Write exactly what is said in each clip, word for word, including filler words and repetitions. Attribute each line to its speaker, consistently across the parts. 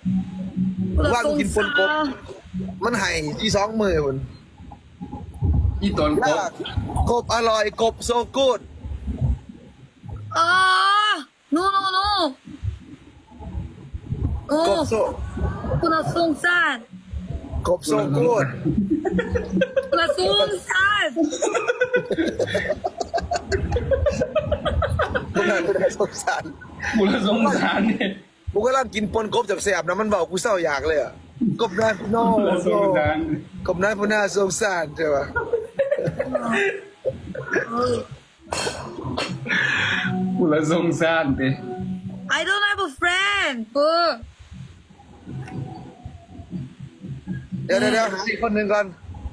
Speaker 1: ว่ากูกินปนกบมันไห่ที่สองมือคน
Speaker 2: อีตนกบ
Speaker 1: กบอร่อยกบโซกูด
Speaker 3: 아, no, no, no.
Speaker 1: กบ
Speaker 3: 어,
Speaker 1: โซ
Speaker 3: 코나 송산.
Speaker 1: กบโซกูด
Speaker 3: 코나 송산.
Speaker 1: มึงน่าจะได้สงสาร
Speaker 2: กูละสงสารเนี่ย
Speaker 1: กูก็ร่างกินปนกบจับแสบนะมันเบากูเศร้าอยากเลยอ่ะกบนั้นโน่
Speaker 2: กูละสงสาร
Speaker 1: กบนั้นพูน่าสงสารใช่ปะ
Speaker 2: กูละสงสารเต้
Speaker 3: I don't have a friend. 뭐?
Speaker 1: เดี๋ยวเดี๋ยวเดี๋ยวหาอีกคนหนึ่งก่อน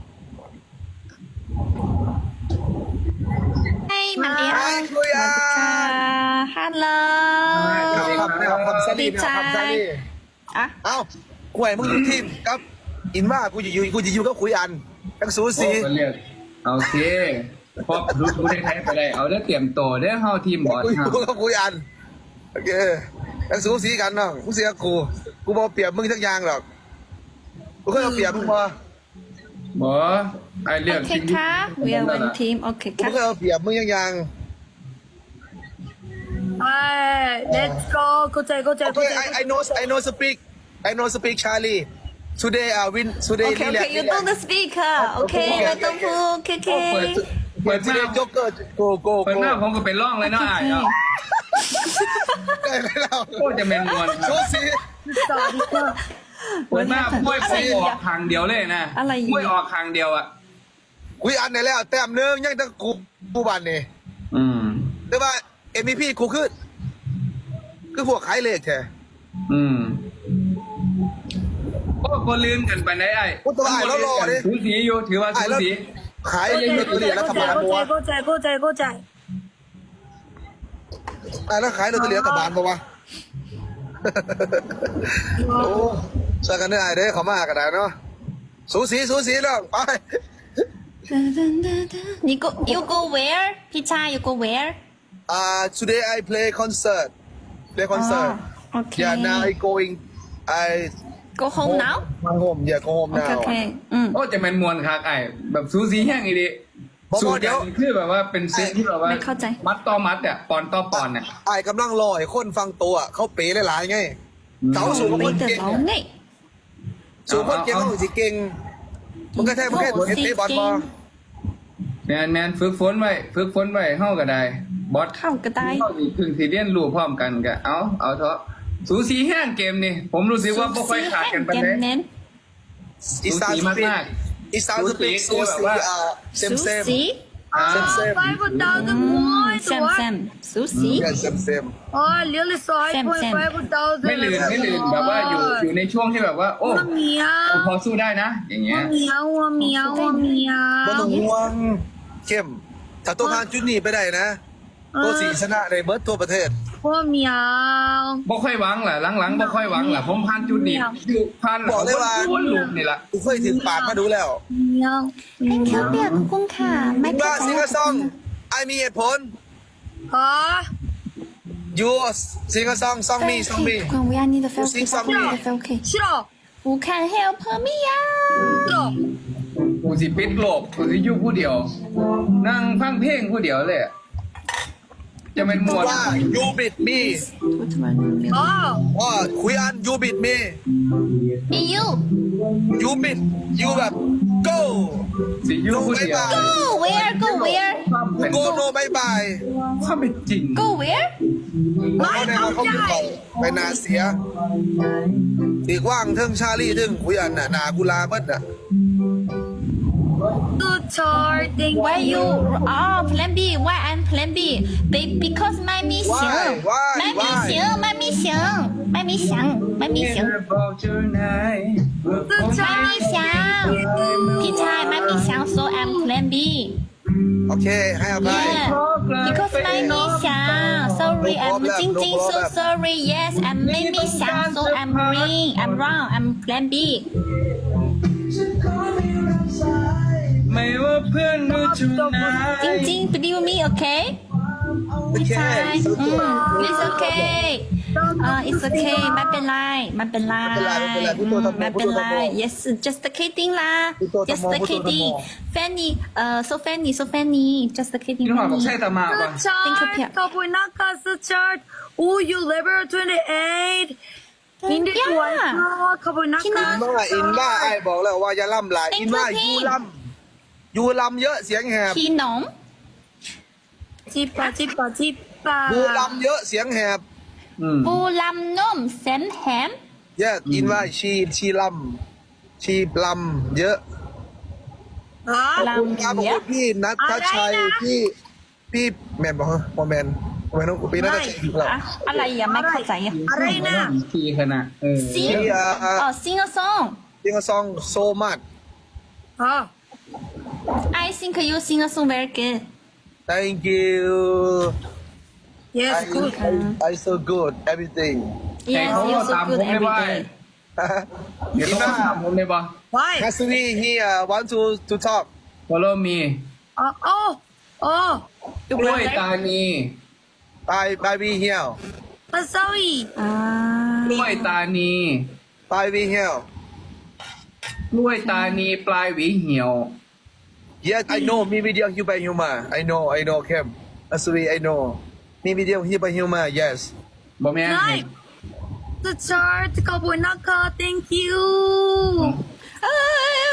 Speaker 4: Hey, Maria.
Speaker 1: ไอ้คุยอ่ะ
Speaker 4: Uh, hello.
Speaker 1: ไม่เอาคำไม่เอาคำซาลีไม่เอาคำซาลี
Speaker 4: อ่ะ
Speaker 1: เอ้ากูให้มึงอยู่ทีมครับอินว่ากูจะอยู่กูจะอยู่กับคุยอันทั้งสูสี
Speaker 2: โอ้ก็เรียกโอเคพอรู้รู้ได้แท้ไปได้เอาได้เตรียมตัวได้เข้าทีมบอส
Speaker 1: กูอ
Speaker 2: ครั
Speaker 1: ยู่
Speaker 2: บ
Speaker 1: กับคุยอันโอเคทั้งสูสีกันเนาะมึงเสียกูกูบอกเปรียบมึงทักอย่างหรอกกูเคยเอาเปรียบมึงพอบ
Speaker 2: อสไอเรียก
Speaker 4: โอเคค่ะ we are one team โอเค
Speaker 1: กู
Speaker 4: ค่ะ
Speaker 1: เคยเอาเปรียบมึงยังยัง
Speaker 3: 아, let's go. 고짜이, 고짜이,
Speaker 1: โอเค I I
Speaker 3: 고짜이.
Speaker 1: know I know speak I know speak Charlie today uh win
Speaker 4: โอ
Speaker 1: today
Speaker 4: เคโอเค you do the speaker โอเคไม่ต้องพูดโอเคโอเค
Speaker 2: เปิดเปิดหน้า
Speaker 1: today Joker go go
Speaker 2: เปิด
Speaker 1: go
Speaker 2: หน้าผมก็เป็นร่องเลยเนาะไอ้เนาะ
Speaker 1: ได้ไหมเรา
Speaker 2: โคตรจะแมนมวนค
Speaker 1: สู
Speaker 2: รับ
Speaker 1: สี
Speaker 3: 있어, 있어.
Speaker 2: เปิดหน้าม้วยผมออกทางเดียวเลยนะ
Speaker 4: อะไรอีก
Speaker 2: ม้วยออกทางเดียวอ่ะ
Speaker 1: คุยอันไหนแล้วแต้มหนึงยังต้องกูกูบันนี่
Speaker 2: อืม
Speaker 1: แต่ว่า เอ็ม วี พี กูคือคือพวกขายเลขแท้
Speaker 2: อืมโอ้ก็ลืมกันไปไหนไอ้
Speaker 1: โอ้ตัวไอ้แล้วรอดิ
Speaker 2: สูสีอยู่ถือว่า
Speaker 1: ไอ้
Speaker 2: สู
Speaker 1: แล้ว
Speaker 2: สี
Speaker 1: ขายเลขตัวเดียวรัฐบาลปะวะ
Speaker 3: 고짜이, 고짜이, 고짜이.
Speaker 1: ไอ้แล้วขายลอตเตอรี่รัฐบาลปะวะโอ้สักกันได้ไอ้เด้อเขามากันได้เนาะสูสีสูสีแล้วไป
Speaker 4: you go you go where พี่ชาย you go where
Speaker 1: อ่า today I play concert play concert
Speaker 4: โอเค
Speaker 1: yeah now I going I
Speaker 4: go home now
Speaker 1: my home yeah go home
Speaker 4: โอเค
Speaker 1: now
Speaker 4: โอเคอืม
Speaker 2: โอ้จะแมนมวนคักไอ้แบบสูสีแห้งอีดิ
Speaker 1: บอก
Speaker 2: สู
Speaker 1: ว่าเดี๋
Speaker 2: เดี
Speaker 1: ย
Speaker 2: ยว วคือแบบว่าเป็นเซตที่แบบว่า
Speaker 4: ไม่เข้าใจ
Speaker 2: มัดต่อมัดอ่ะปอนต่อปอนอ่ะ
Speaker 1: ไอ้กำลังรอให้คนฟังตัวเขาเป๋หลายๆไงเขาสูง
Speaker 4: ไป
Speaker 1: คน
Speaker 4: เดิน
Speaker 1: เก่ง
Speaker 4: เราไง
Speaker 1: สูงคนเก่งเขาสิเก่งมึงก็แท้มึงแค่เห็นเตะบอลบอล
Speaker 2: แมนแมนฝึกฝนไว้ฝึกฝนไว้เฮาก็ได้บอส
Speaker 4: เข้าก็ได้
Speaker 2: เฮาสิพึ่งสิเรียนรู้พร้อมกันก็เอาเอาเถอะสูสีแห้งเกมนี่ผมรู้สึกว่าบ่ค่อยขาดกันปาน
Speaker 4: แก
Speaker 2: ใด
Speaker 4: มเน้น
Speaker 1: อีสานสปีกอีสานสปีก
Speaker 2: สู
Speaker 1: สู
Speaker 2: สี
Speaker 1: สี
Speaker 2: แบบว่า
Speaker 1: อ่าเซม
Speaker 4: สู
Speaker 1: เซม
Speaker 4: สี
Speaker 3: 아,
Speaker 1: 쌤, 쌤.
Speaker 3: five thousand points.
Speaker 4: แซมแซ
Speaker 3: What?
Speaker 4: มสูสี
Speaker 1: เซมเซม
Speaker 3: 아, really so high
Speaker 4: 쌤,
Speaker 3: point
Speaker 4: 쌤.
Speaker 3: five thousand.
Speaker 2: ไม่ลืมไม่ลืมแบบว่าอยู่อยู่ในช่วงที่แบบว่า โอ้
Speaker 3: 우와, 미야.
Speaker 2: พอสู้ได้นะ อย่างเงี้ย
Speaker 3: 우와, 미야, 우와, 미야, 우와,
Speaker 1: บ่ต้อง
Speaker 3: 미야.
Speaker 1: ห่วงเข้มถ้าตัวผ่านจุดนี้ไปได้นะตัวสีชนะในเบิร์ดทั่วประเทศ
Speaker 3: 우와, 미야.
Speaker 2: บ่ค่อยหวังแหละหลังๆบ่ค่อยหวังแหละผมผ่านจุดนี้คือผ่าน
Speaker 1: บอกเลยว่า
Speaker 2: วนลูกนี่แหละ
Speaker 1: กูเคยถึงปากมาดูแล้ว
Speaker 3: 미야.
Speaker 4: แค่เปียกกุ้งค่ะ ไม่
Speaker 1: มึง
Speaker 4: เข้า
Speaker 1: ว่า
Speaker 4: ใจ
Speaker 1: ซิงเกิลซองไอมีเหตุผล
Speaker 3: 아,
Speaker 1: ยูซิงเกิลซองซองมีซองมี
Speaker 4: ความวิญญาณนี่จะเฟล
Speaker 1: ซิงซองมี
Speaker 4: จะเฟลเค
Speaker 3: 싫어.
Speaker 4: Who can help me อ่ะ
Speaker 3: 싫어.
Speaker 2: กูสิปิดโลกกูสิอยู่ผู้เดียว นั่งฟังเพลงผู้เดียวเลยอะจะเป็นมวล
Speaker 1: ว่ายูบิดมี
Speaker 3: 아,
Speaker 1: ว่าคุยอันยูบิดมี
Speaker 4: มี you
Speaker 1: ยูบิดยูแบบ go
Speaker 2: สิอยู่ผู้เดียว
Speaker 4: go where go where
Speaker 2: ความเป็น
Speaker 1: go no บายบาย
Speaker 2: ความเป็นจริง
Speaker 4: go where
Speaker 1: เขาในเขาเขาคือเขาไปนาเสียตีกว้างเทิงชาลี่เทิงคุยอันน่ะนากุลาเบิ้ลน่ะ
Speaker 3: 또 charting.
Speaker 4: why you oh plan B why I'm plan B Be, because ไม่มีเสียง
Speaker 1: Why? Why?
Speaker 4: ไม่มีเสียงไม่มีเสียงไม่มีเสียงไม่มีเสียง
Speaker 2: บอกเจ้านายว่าผม
Speaker 3: 또
Speaker 4: ไม่มีเสียง พี่ชายไม่มีเสียง so I'm plan B
Speaker 1: โอเคให้อภัย
Speaker 4: yeah because ไม่มีเสียง sorry I'm จริงจริง so sorry yes I'm ไม่มีเสียง so I'm wrong I'm wrong I'm plan B
Speaker 2: ไม่ว่าเพื่อนหรือจุนาย
Speaker 4: จริงจริง believe me okay พี่ชายอืม it's okay Uh, it's okay ไม่เป็นไรไม่เป็นไร
Speaker 1: ไม่เป็นไรไม่เป็นไรพูดตัว
Speaker 4: ไม่เป็นไร
Speaker 1: พูดตัว
Speaker 4: yes just kidding ล่ะ
Speaker 1: พูดตัว
Speaker 4: just
Speaker 1: พูดตัว
Speaker 4: kidding Fanny เอ่อ so Fanny so Fanny just kidding
Speaker 2: พี่น้องบอก
Speaker 4: Fanny
Speaker 2: ใช่ตามาก่อน
Speaker 3: Chart,
Speaker 4: Think of it.
Speaker 3: Cowboy Nakasa chart. Oh, you level twenty-eight. Hindi
Speaker 4: Yeah.
Speaker 3: ko alam. Cowboy
Speaker 1: อิน
Speaker 3: Nakasa.
Speaker 1: ว่าอินว่าไอ้บอกแล้วว่าอย่าล่ำหลาย
Speaker 4: เป็น
Speaker 1: อินว่า
Speaker 4: เพลง
Speaker 1: ยูล่ำยูล่ำเยอะเสียงแหบ
Speaker 4: พี่น้อง
Speaker 3: Jipa, jipa, jipa.
Speaker 1: ยูล่ำเยอะเสียงแหบ
Speaker 2: อืม
Speaker 4: ปูลำนมแซนแฮม
Speaker 1: เยอะอินว่าชีชีล่ำชีล่ำเยอะ
Speaker 3: Ha?
Speaker 4: ล
Speaker 1: คุณครับ
Speaker 4: ำ
Speaker 1: ขอบ
Speaker 4: เย
Speaker 1: คุ
Speaker 4: อะ
Speaker 1: ณพี่นัทชัย
Speaker 3: อะไรนะ
Speaker 1: พี่พี่แมนบอกฮะโมแมนโมแมนต้องพี่นัทชัยอีกแล้ว
Speaker 4: อะอะไรอ่ะไม่เข้าใจอ่ะ
Speaker 3: อะไรนะ
Speaker 2: ทีขนาดเออ
Speaker 4: ซิง
Speaker 1: พี่อ่า
Speaker 4: อ๋อ sing a song
Speaker 1: ซิงซองโซมัด
Speaker 3: Ha?
Speaker 4: I think you sing a song very good
Speaker 1: thank you
Speaker 3: Yes,
Speaker 1: I,
Speaker 3: good.
Speaker 1: I, I so good everything
Speaker 2: แต่
Speaker 4: yes
Speaker 2: เขา
Speaker 4: you
Speaker 2: ก็
Speaker 4: so
Speaker 2: ตามผ
Speaker 4: good
Speaker 2: มไม่
Speaker 4: every
Speaker 2: ไหว
Speaker 4: day
Speaker 2: เดี๋ยวต้องตามผมเลยบ่
Speaker 3: Why?
Speaker 1: ฮัสวี here want to to talk
Speaker 2: follow me
Speaker 3: Uh, oh, oh.
Speaker 4: ดู
Speaker 2: กล้วย
Speaker 4: brother
Speaker 2: ตานี
Speaker 1: bye bye we here
Speaker 3: Pasawi.
Speaker 4: อ่าก
Speaker 2: ล้วยตานี
Speaker 1: bye we here
Speaker 2: กล้วยตานีปลายหวีเหี่ยว
Speaker 1: yes I know มีวิดีโอฮิวไปฮิวมา I know I know เข้มฮัสวี I know มีวิดีโอฮิวไปฮิวมา yes
Speaker 2: บ่แม่น
Speaker 3: Nice. The chart, Cowboy Naka. Thank you.
Speaker 4: เอ้ย